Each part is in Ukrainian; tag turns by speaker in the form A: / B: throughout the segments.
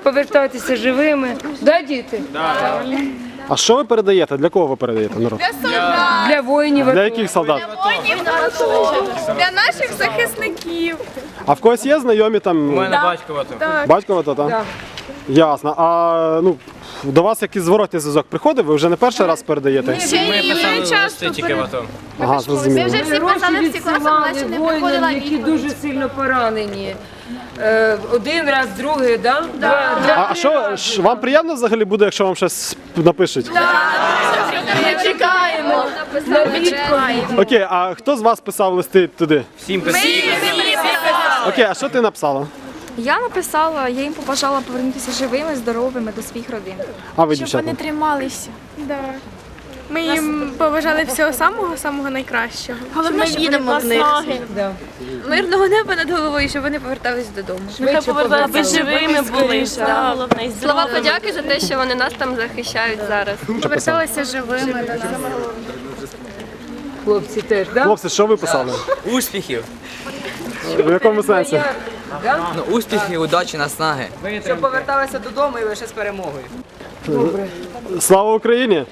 A: повертатися живими. Да, діти?
B: Да. А що ви передаєте? Для кого ви передаєте? Народ?
A: Для воїнів.
B: Для яких солдат?
C: Для наших захисників.
B: А в когось є знайомі там?
D: У мене батько ото.
B: Батько ото, так?
A: Да.
B: Ясно. А до вас якийсь зворотний зв'язок приходив? Ви вже не перший раз передаєте?
D: Ми писали листи тільки в АТО.
B: Ага, зрозуміло.
C: Вже всі писали, всі класи, але ще не приходила
A: воїнам, які
C: відповідь.
A: дуже сильно поранені. Один раз, другий, да?
B: А що вам приємно взагалі буде, якщо вам щось напишуть?
A: Ми чекаємо на відповідь.
B: Окей, а хто з вас писав листи туди?
D: Всім писали.
B: Окей, а що ти написала?
E: Я написала, я їм побажала повернутися живими, здоровими до своїх родин.
B: А ви,
E: Щоб
B: дівчата?
E: вони трималися.
C: Да. Ми їм побажали всього самого найкращого.
E: Головне, щоб вони наснаги.
C: Мирного неба над головою, щоб вони повертались додому.
A: Нехай повертатися
E: живими були. Головне,
F: Слова подяки за те, що вони нас там захищають зараз.
C: Поверталися живими до нас.
A: Хлопці теж, да?
B: Хлопці, що ви писали?
D: Успіхів.
B: В якому сенсі?
D: Ну, успіхів, удачі, наснаги.
G: Щоб поверталися додому і лише з перемогою.
B: Слава Україні!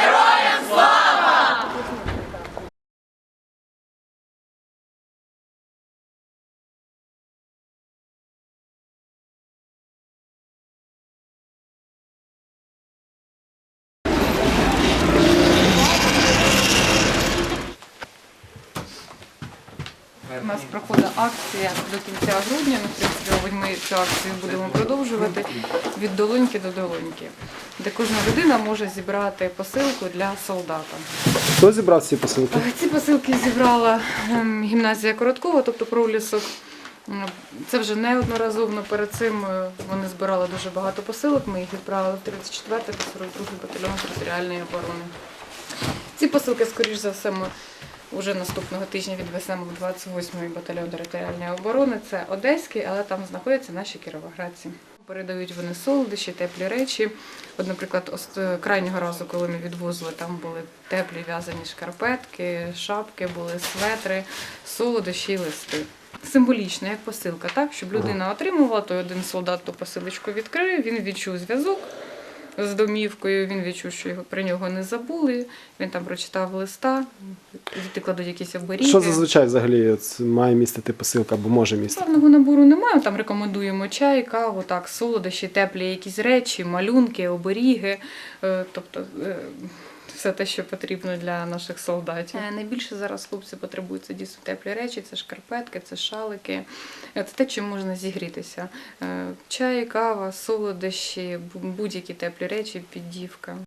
H: У нас проходить акція до кінця грудня, в принципі, ми цю акцію будемо продовжувати від долоньки до долоньки, де кожна людина може зібрати посилку для солдата.
B: Хто зібрав ці посилки?
H: Ці посилки зібрала гімназія Короткова, тобто Пролісок. Це вже неодноразово, перед цим вони збирали дуже багато посилок, ми їх відправили в 34-й та 42-й батальйон територіальної оборони. Ці посилки, скоріш за все, ми уже наступного тижня відвеземо в 28-й батальйон територіальної оборони. Це Одеський, але там знаходяться наші кіровоградці. Передають вони солодощі, теплі речі. От, наприклад, крайнього разу, коли ми відвозили, там були теплі в'язані шкарпетки, шапки, були светри, солодощі і листи. Символічно, як посилка, так? Щоб людина отримувала, то один солдат ту посилочку відкрив, він відчув зв'язок з домівкою, він відчув, що про нього не забули, він там прочитав листа, діти кладуть якісь оберіги.
B: Що зазвичай взагалі має містити посилка або може містити?
H: Певного набору немає, там рекомендуємо чай, каву, так, солодощі, теплі якісь речі, малюнки, оберіги, тобто все те, що потрібно для наших солдатів. Найбільше зараз хлопці потребують, це дійсно теплі речі, це шкарпетки, це шалики, це те, чим можна зігрітися. Чай, кава, солодощі, будь-які теплі речі, піддівка.